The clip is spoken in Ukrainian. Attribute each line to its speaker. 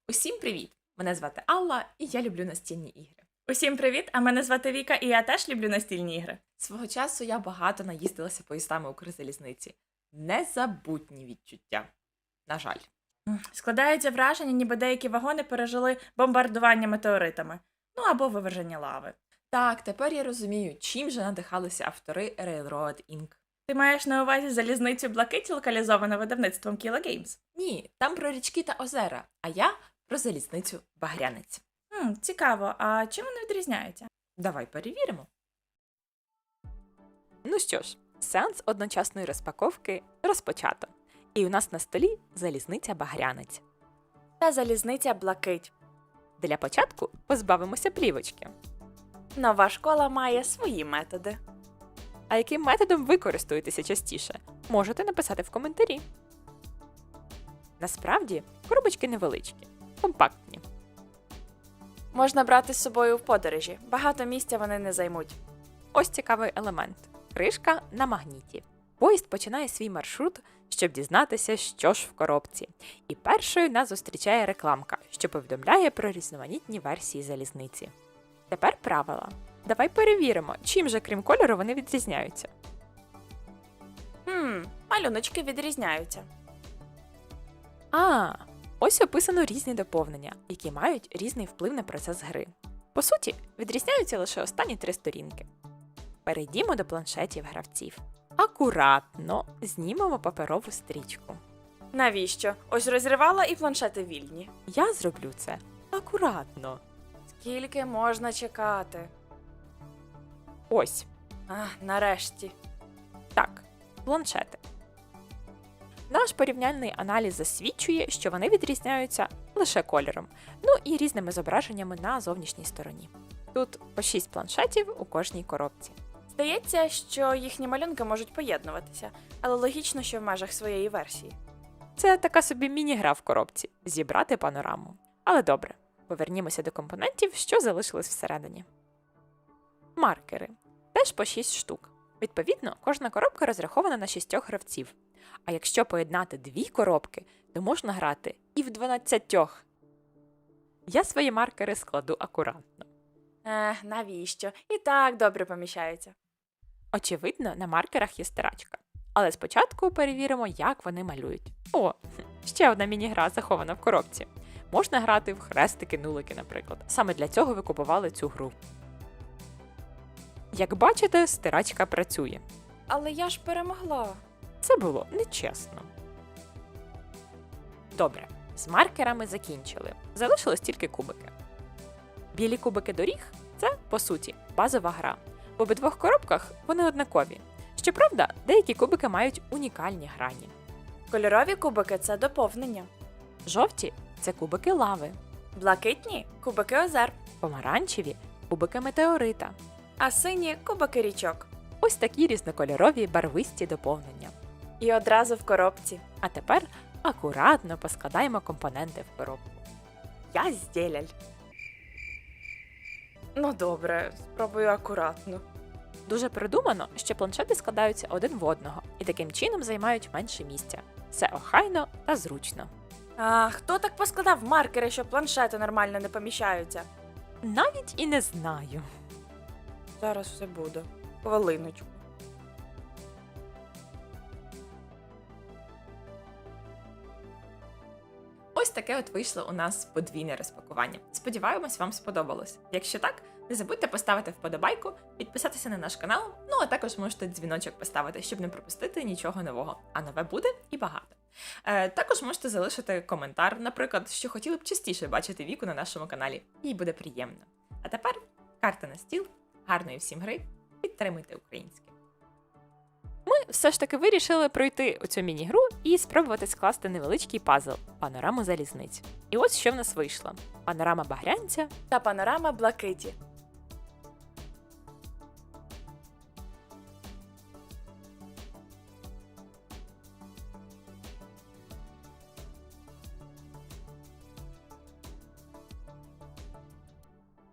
Speaker 1: Усім привіт! Мене звати Алла, і я люблю настільні ігри.
Speaker 2: Усім привіт! А мене звати Віка, і я теж люблю настільні ігри.
Speaker 1: Свого часу я багато наїздилася поїздами Укрзалізниці. Незабутні відчуття. На жаль.
Speaker 2: Складається враження, ніби деякі вагони пережили бомбардування метеоритами. Ну або виверження лави.
Speaker 1: Так, тепер я розумію, чим же надихалися автори Railroad Inc.
Speaker 2: Ти маєш на увазі залізницю Блакиті, локалізовану видавництвом Kilo Games?
Speaker 1: Ні, там про річки та озера, а я про залізницю Багрянець.
Speaker 2: Цікаво, а чим вони відрізняються?
Speaker 1: Давай перевіримо. Ну що ж, сеанс одночасної розпаковки розпочато. І у нас на столі залізниця Багрянець.
Speaker 2: Та залізниця Блакить.
Speaker 1: Для початку позбавимося плівочки.
Speaker 2: Нова школа має свої методи.
Speaker 1: А яким методом ви користуєтеся частіше? Можете написати в коментарі. Насправді, коробочки невеличкі, компактні.
Speaker 2: Можна брати з собою в подорожі. Багато місця вони не займуть.
Speaker 1: Ось цікавий елемент. Кришка на магніті. Поїзд починає свій маршрут, щоб дізнатися, що ж в коробці. І першою нас зустрічає рекламка, що повідомляє про різноманітні версії залізниці. Тепер правила. Давай перевіримо, чим же крім кольору вони відрізняються.
Speaker 2: Малюночки відрізняються.
Speaker 1: Ось описано різні доповнення, які мають різний вплив на процес гри. По суті, відрізняються лише останні 3 сторінки. Перейдімо до планшетів гравців. Акуратно знімемо паперову стрічку.
Speaker 2: Навіщо? Ось розривала і планшети вільні.
Speaker 1: Я зроблю це акуратно.
Speaker 2: Скільки можна чекати?
Speaker 1: Ось,
Speaker 2: Нарешті.
Speaker 1: так, планшети. Наш порівняльний аналіз засвідчує, що вони відрізняються лише кольором, ну і різними зображеннями на зовнішній стороні. Тут по 6 планшетів у кожній коробці.
Speaker 2: Здається, що їхні малюнки можуть поєднуватися, але логічно, що в межах своєї версії.
Speaker 1: Це така собі міні-гра в коробці – зібрати панораму. Але добре, повернімося до компонентів, що залишились всередині. Маркери. Теж по 6 штук. Відповідно, кожна коробка розрахована на 6 гравців. А якщо поєднати 2 коробки, то можна грати і в 12. Я свої маркери складу акуратно.
Speaker 2: Навіщо? І так добре поміщаються.
Speaker 1: Очевидно, на маркерах є стирачка. Але спочатку перевіримо, як вони малюють. Ще одна міні-гра захована в коробці. Можна грати в хрестики-нулики, наприклад. Саме для цього ви купували цю гру. Як бачите, стирачка працює.
Speaker 2: Але я ж перемогла.
Speaker 1: Це було нечесно. Добре, з маркерами закінчили. Залишилось тільки кубики. Білі кубики доріг – це, по суті, базова гра. В обидвох коробках вони однакові. Щоправда, деякі кубики мають унікальні грані.
Speaker 2: Кольорові кубики – це доповнення.
Speaker 1: Жовті – це кубики лави.
Speaker 2: Блакитні – кубики озер.
Speaker 1: Помаранчеві – кубики метеорита.
Speaker 2: А сині – кубики річок.
Speaker 1: Ось такі різнокольорові барвисті доповнення.
Speaker 2: І одразу в коробці.
Speaker 1: А тепер акуратно поскладаємо компоненти в коробку.
Speaker 2: Я здєляль. Ну добре, спробую акуратно.
Speaker 1: Дуже продумано, що планшети складаються один в одного і таким чином займають менше місця. Все охайно та зручно.
Speaker 2: А хто так поскладав маркери, що планшети нормально не поміщаються?
Speaker 1: Навіть і не знаю.
Speaker 2: Зараз все буде. Хвилиночку.
Speaker 1: Ось таке от вийшло у нас подвійне розпакування. Сподіваємось, вам сподобалось. Якщо так, не забудьте поставити вподобайку, підписатися на наш канал, ну а також можете дзвіночок поставити, щоб не пропустити нічого нового. А нове буде і багато. Також можете залишити коментар, наприклад, що хотіли б частіше бачити Віку на нашому каналі. Їй буде приємно. А тепер карта на стіл, гарної всім гри, підтримуйте українське. Ми все ж таки вирішили пройти оцю міні-гру і спробувати скласти невеличкий пазл – панораму залізниць. І ось що в нас вийшло. Панорама Багрянця
Speaker 2: Та панорама Блакиті.